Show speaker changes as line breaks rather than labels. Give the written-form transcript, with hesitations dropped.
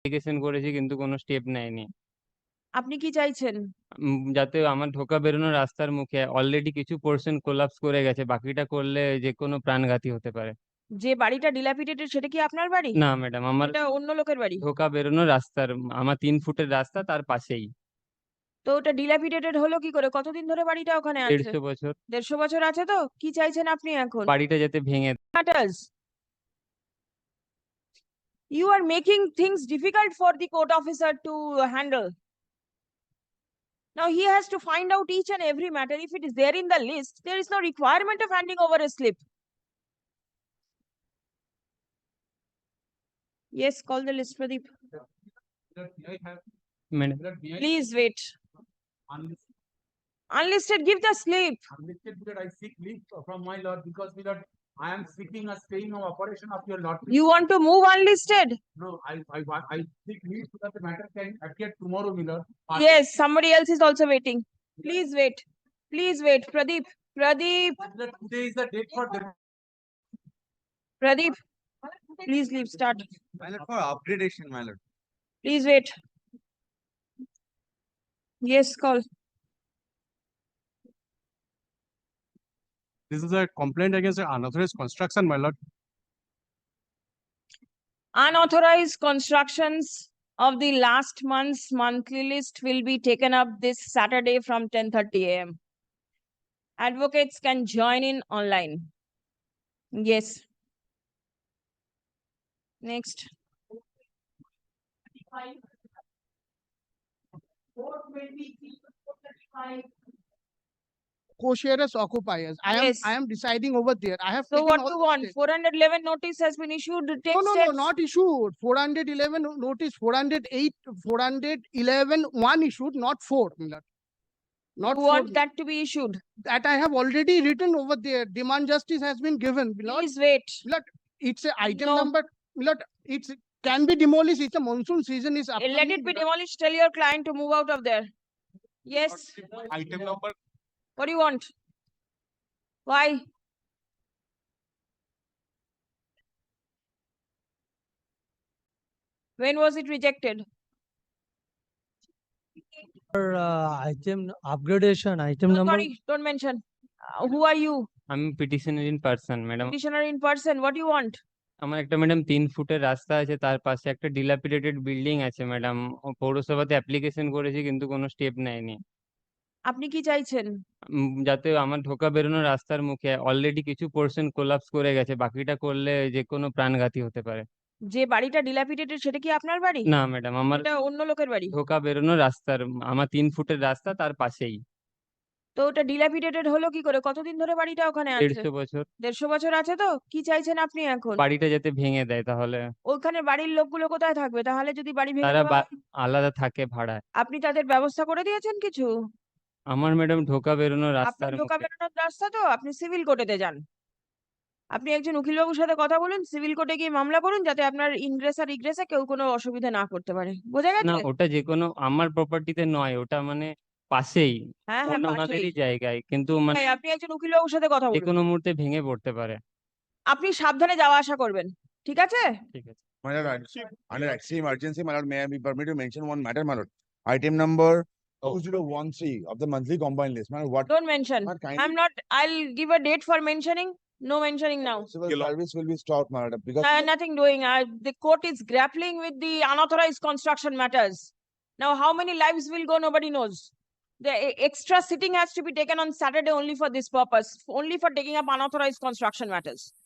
Application করেছি কিন্তু কোনো স্টেপ নেয়নি।
আপনি কি চাইছেন?
যাতে আমার ঢোকা বেরোনোর রাস্তার মুখে অলরেডি কিছু পোরশন কোলাপস করে গেছে। বাকিটা করলে যেকোনো প্রাণঘাতী হতে পারে।
যে বাড়িটা dilapidated সেটা কি আপনার বাড়ি?
না ম্যাডাম, আমার
এটা অন্য লোকের বাড়ি?
ঢোকা বেরোনোর রাস্তার আমার ৩ ফুটের রাস্তা তার পাশেই।
তো ওটা dilapidated হলো কি করে? কতদিন ধরে বাড়িটা ওখানে আছে?
১৫০ বছর।
১৫০ বছর আছে তো? কি চাইছেন আপনি এখন?
বাড়িটা যাতে ভেঙে
Matters. You are making things difficult for the court officer to handle. Now he has to find out each and every matter. If it is there in the list, there is no requirement of handing over a slip. Yes, call the list, Pradeep.
Madam
Please wait. Unlisted, give the slip.
Unlisted because I seek leave from my lord because my lord, I am seeking a staying of operation of your lord.
You want to move unlisted?
No, I seek leave so that the matter can appear tomorrow, my lord.
Yes, somebody else is also waiting. Please wait. Please wait. Pradeep. Pradeep.
Today is the date for the
Pradeep. Please leave. Start.
My lord, for upgradation, my lord.
Please wait. Yes, call.
This is a complaint against the unauthorized construction, my lord.
Unauthorized constructions of the last month's monthly list will be taken up this Saturday from 10:30 a.m. Advocates can join in online. Yes. Next.
Co-sharers occupiers.
Yes.
I am deciding over there. I have
So
taken
what
all
do you
the
want?
steps.
411 notice has been issued. Take
No,
steps.
not issued. 411 notice, 408, 411, one issued, not 4. my lord. Not
You
4.
want that to be issued.
That I have already written over there. Demand justice has been given. my lord.
Please wait.
It's a item
No.
number. my lord, it's can be demolished. It's a monsoon season is upcoming.
Let it be
my lord.
demolished. Tell your client to move out of there. Yes.
Item number.
What do you want? Why? When was it rejected?
Item upgradation, item
No,
number.
sorry, don't mention. Who are you?
আমি petitioner in person madam.
Petitioner in person. What do you want?
আমার একটা madam ৩ ফুটের রাস্তা আছে, তার পাশে একটা dilapidated building আছে ম্যাডাম। পৌরসভাতে অ্যাপ্লিকেশন করেছি কিন্তু কোনো স্টেপ নেয়নি।
আপনি কি চাইছেন?
যাতে আমার ঢোকা বেরোনোর রাস্তার মুখে অলরেডি কিছু পোরশন কোলাপস করে গেছে। বাকিটা করলে যেকোনো প্রাণঘাতী হতে পারে।
যে বাড়িটা dilapidated সেটা কি আপনার বাড়ি?
না ম্যাডাম, আমার
এটা অন্য লোকের বাড়ি?
ঢোকা বেরোনোর রাস্তার আমার ৩ ফুটের রাস্তা তার পাশেই।
তো ওটা dilapidated হলো কি করে? কতদিন ধরে বাড়িটা ওখানে আছে?
১৫০ বছর।
১৫০ বছর আছে তো? কি চাইছেন আপনি এখন?
বাড়িটা যাতে ভেঙে দেয় তাহলে।
ওখানে বাড়ির লোকগুলো কোথায় থাকবে? তাহলে যদি বাড়ি ভেঙে
তারা
দেওয়া হয়?
আলাদা থাকে ভাড়ায়।
আপনি তাদের ব্যবস্থা করে দিয়েছেন কিছু?
আমার ম্যাডাম ঢোকা বেরোনোর
আপনার
রাস্তার
ঢোকা
মুখে।
বেরোনোর রাস্তা তো? আপনি সিভিল কোর্টেতে যান। আপনি একজন উকিলবাবুর সাথে কথা বলুন, সিভিল কোর্টে গিয়ে মামলা করুন যাতে আপনার ইনগ্রেস আর ইগ্রেসে কেউ কোনো অসুবিধা না করতে পারে। বোঝা
না,
গেছে?
ওটা যেকোনো আমার প্রপার্টিতে নয়, ওটা মানে পাশেই
হ্যাঁ, হ্যাঁ, পাশেই।
ওনাদেরই জায়গায়, কিন্তু মানে
হ্যাঁ, আপনি একজন উকিলবাবুর সাথে কথা বলুন।
যেকোনো মুহূর্তে ভেঙে পড়তে পারে।
আপনি সাবধানে যাওয়া আসা করবেন। ঠিক আছে?
ঠিক আছে।
My lord, under extreme urgency, my lord, may I be permitted to mention one matter, my lord? Item number 2013 of the monthly combined list. My lord, what
Don't mention.
Not kindly-
I'm not. I'll give a date for mentioning. No mentioning now.
civil service will be stopped, my lord, because
Nothing doing. The court is grappling with the unauthorized construction matters. Now, how many lives will go, nobody knows. The extra sitting has to be taken on Saturday only for this purpose, only for taking up unauthorized construction matters.